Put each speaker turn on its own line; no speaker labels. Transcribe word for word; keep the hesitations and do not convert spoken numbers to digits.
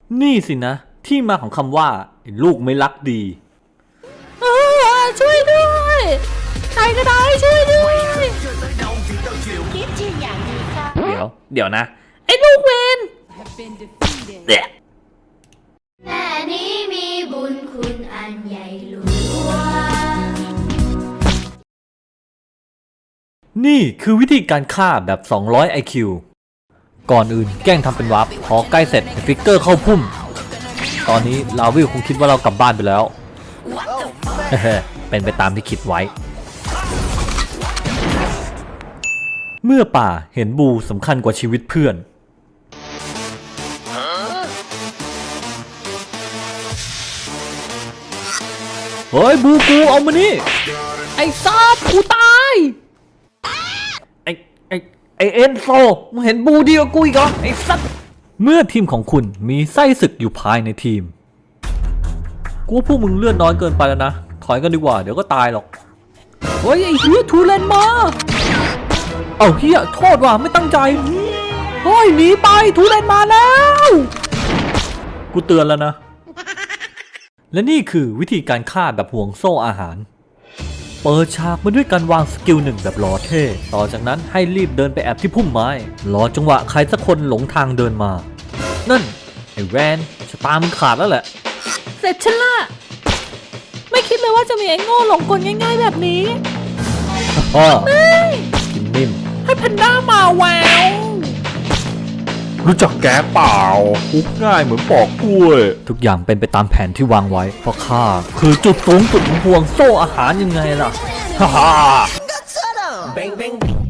นี่สินะที่มาของคำว่าลูกไม่รักดี
เออช่วยด้วยใครก็ได้ช่วยด้วย
เดี๋ยวเดี๋ยวนะ
ไอ้ลูกเวน
เด็ก
แม่นี้มีบุญคุณอันใหญ่หลวง
นี่คือวิธีการฆ่าแบบสองร้อย ไอ คิว ก่อนอื่นแกล้งทำเป็นวาร์ปพอใกล้เสร็จฟิกเกอร์เข้าพุ่มตอนนี้ลาวิลคงคิดว่าเรากลับบ้านไปแล้วเฮ้เป็นไปตามที่คิดไว้เมื่อป่าเห็นบูสำคัญกว่าชีวิตเพื่อนเฮ้ยบูกูเอามานี่
ไอ้ซาดกูตาย
ไอ้ไอ้ไอเอ็นโซมึงเห็นบูดีกว่ากูอีกเหรอไอ้สัตว์เมื่อทีมของคุณมีไส้ศึกอยู่ภายในทีมกูว่าพวกมึงเลื่อนน้อยเกินไปแล้วนะถอยกันดีกว่าเดี๋ยวก็ตายหรอก
เฮ้ยไอ้เฮียทูเลนมา
เอาเฮียโทษว่ะไม่ตั้งใจ
เฮ้ยหนีไปทูเลนมาแล้ว
กูเตือนแล้วนะและนี่คือวิธีการฆ่าแบบห่วงโซ่อาหารเปิดฉากมาด้วยการวางสกิลหนึ่งแบบหล่อเท่ต่อจากนั้นให้รีบเดินไปแอบที่พุ่มไม้รอจังหวะใครสักคนหลงทางเดินมานั่นไอ้แวนชะตามึงขาดแล้วแหละ
เสร็จฉันละไม่คิดเลยว่าจะมีไอ้โง่หลงกลง่ายๆแบบนี้
ไม่กินนิ่ม
ให้แพนด้ามาแวว
รู้จักแกเปล่าคุกง่ายเหมือนปอกกล้วยทุกอย่างเป็นไปตามแผนที่วางไว้เพราะข้าคือจุดสูงสุดของห่วงโซ่อาหารยังไงล่ะฮ่าฮ่า